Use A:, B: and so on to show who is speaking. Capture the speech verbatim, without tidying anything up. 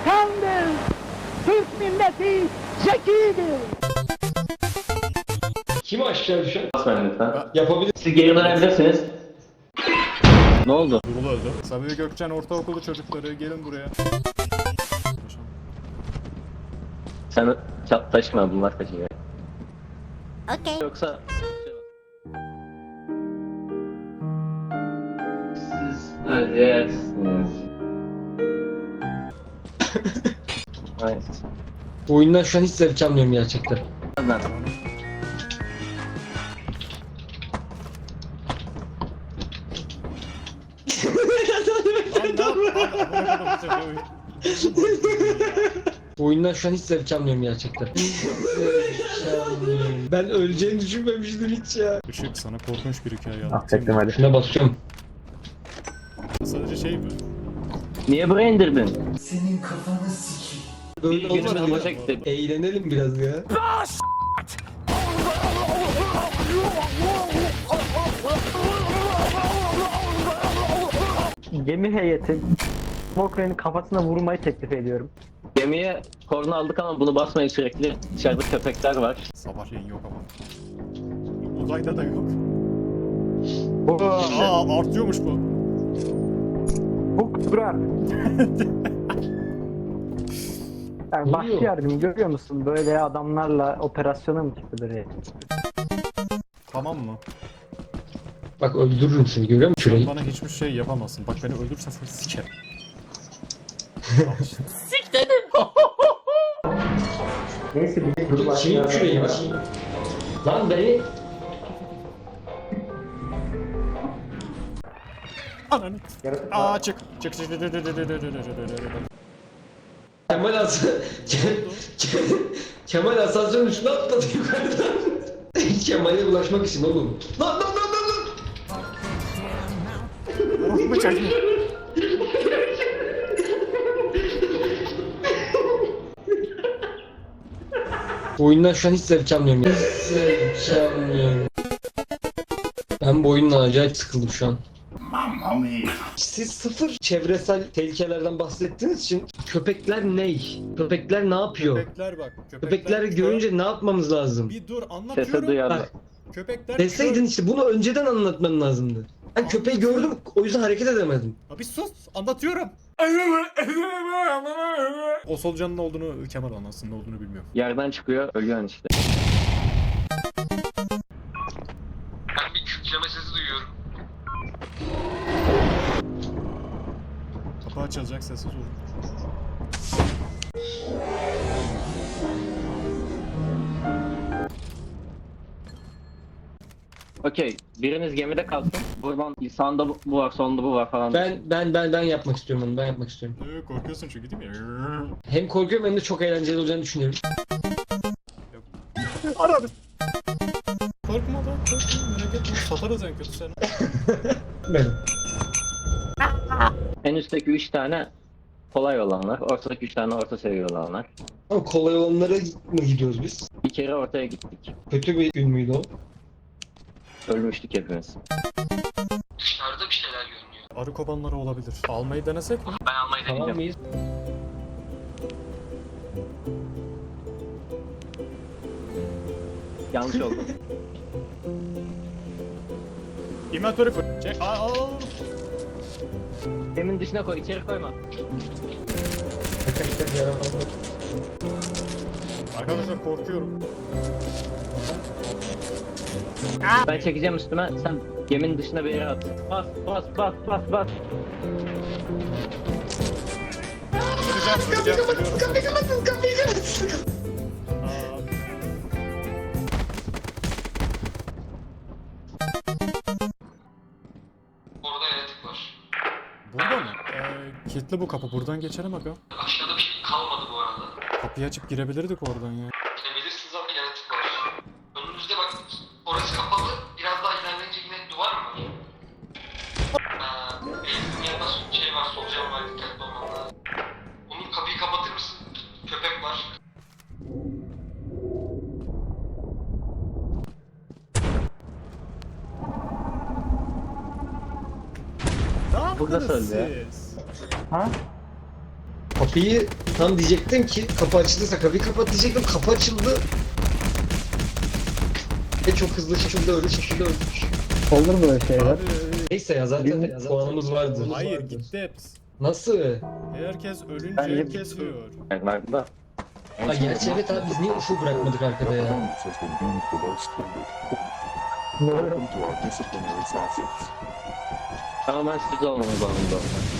A: Hakan'dır. Türk milleti zekidir.
B: Kim aşağı düşen?
C: Basmayın lütfen.
B: Yapabilir.
C: Siz geri dönebilirsiniz. Ne oldu?
D: Durul öldü. Sabiha Gökçen Ortaokulu çocukları gelin buraya.
C: Sen ça- taşıma, bunlar taşıyor.
E: Okay.
C: Yoksa... Siz öleceksiniz. Hayır.
B: Bu oyundan şu an hiç zevk almıyorum gerçekten.
C: Ben.
B: Bu oyundan şu an hiç zevk almıyorum gerçekten. Zevk almıyorum. Ben öleceğini düşünmemiştim hiç ya.
D: Işık sana korkunç bir hikaye anlatayım.
F: Affettim hadi.
B: Şuna basıyorum.
D: Sadece şey mi?
C: Niye buraya indirdin?
B: Böyle
C: Bir günümüz
B: olmaz
C: boşa
B: ya.
C: gitti.
B: Eğlenelim biraz ya.
G: Gemi heyeti Smokran'ın kafasına vurmayı teklif ediyorum.
C: Gemiye korna aldık ama bunu basmayın sürekli. Dışarıda köpekler var.
D: Sabahleyin yok ama. Uzayda da yok. Aa artıyormuş bu.
G: Bu durar. Yani vahşi
B: Oluyor.
G: yardım görüyor musun? Böyle adamlarla operasyona mı çıkılır ya?
D: Tamam mı?
B: Bak öldürürüm seni, görüyor musun
D: Sen
B: şurayı?
D: bana hiçbir şey yapamazsın. Bak beni öldürürsen seni sikerim. Al işte.
G: Neyse bir
B: Dur, sileyim şurayı bak. Lan beni...
D: Ananı. Aa çık. Çık çık çık çık çık çık çık çık.
B: Kemal Hasan... Kemal asansörün üstüne atladı yukarıdan. Kemal'e ulaşmak için oğlum. Lan lan lan lan lan!
D: Orospu çocuğu.
B: Bu oyundan şu an hiç zevk almıyorum ya. Hiç zevk almıyorum. Ben bu oyundan acayip sıkıldım şu an. Siz sıfır çevresel tehlikelerden bahsettiğiniz için köpekler ney? Köpekler ne yapıyor?
D: Köpekler bak.
B: Köpekleri
D: kör.
B: görünce ne yapmamız lazım?
D: Bir dur
C: Sese
D: anlatıyorum.
C: duyarlı.
B: Bak,
D: Köpekler
B: deseydin
D: kör.
B: işte bunu önceden anlatman lazımdı. Ben köpeği gördüm, o yüzden hareket edemedim.
D: Abi sus anlatıyorum. O solucanın ne olduğunu Kemal anlatsın, ne olduğunu bilmiyorum.
C: Yerden çıkıyor, ölüyorsun işte.
B: Ben bir kükreme sesi duyuyorum.
D: Kapı açılacak, sessiz olun.
C: Okey, biriniz gemide kalsın. Buradan sağında bu bu var, solunda bu var falan.
B: Ben ben ben ben yapmak istiyorum onu. Ben yapmak istiyorum.
D: Ee, korkuyorsun çünkü değil mi?
B: Hem korkuyorum hem de çok eğlenceli olacağını düşünüyorum.
D: Aradım. Korkma lan, korkma, merak etme. Satarız en kötü seni.
B: Ben.
C: En üstteki üç tane kolay olanlar, ortadaki üç tane orta seviye olanlar.
B: Ama kolay olanlara mı gidiyoruz biz?
C: Bir kere ortaya gittik.
B: Kötü bir gün müydü o?
C: Ölmüştük hepimiz.
B: Dışarıda bir şeyler görünüyor.
D: Arı kobanları olabilir. Almayı denesek mi?
C: Ben almayı
B: Tamam
C: deneyeceğim.
B: mıyız?
C: Yanlış oldu.
D: İnventörü fır. Çek. Aa, aa.
C: Geminin dışına koy, içeri koyma.
D: Arkadaşlar korkuyorum.
C: Ben çekeceğim üstüme, sen geminin dışına bir yere at. Bas, bas, bas, bas, bas.
D: Süreceğim, süreceğim, sürüyorum.
B: Kapıyı kapatın, kapıyı kapatın.
D: Aa.
B: Orada yaratık var.
D: Burada mı? Ee, kilitli bu kapı. Buradan geçelim aga.
B: Aşağıda bir şey kalmadı bu arada.
D: Kapıyı açıp girebilirdik oradan ya.
B: Gidebilirsiniz ama yaratık var. Önünüzde bak, orası kapalı. Biraz daha ilerleyince yine duvar mı var? Ee, Beyzin yanında şey var, solucan var, dikkatli olman lazım. Onun kapıyı kapatır mısın? Köpek var.
D: Ne
C: Burada
D: yaptınız
C: söyle ya.
D: siz?
G: Ha?
B: Kapı kapıyı tam diyecektim ki kapı açılırsa kapıyı kapat diyecektim. Kapı açıldı. Ve çok hızlı şekilde öldü, şekilde öldü.
G: Olur böyle şeyler.
D: Abi,
B: Neyse ya zaten ya zaten puanımız vardı.
D: hayır gitti hepsi.
B: Nasıl?
D: Herkes ölünce
G: Bence-
D: kesiyor.
C: Bak da.
B: Ha gerçi evet abi biz niye ufuk bırakmadık arkada ya?
C: Tamamen siz olmamız lazım.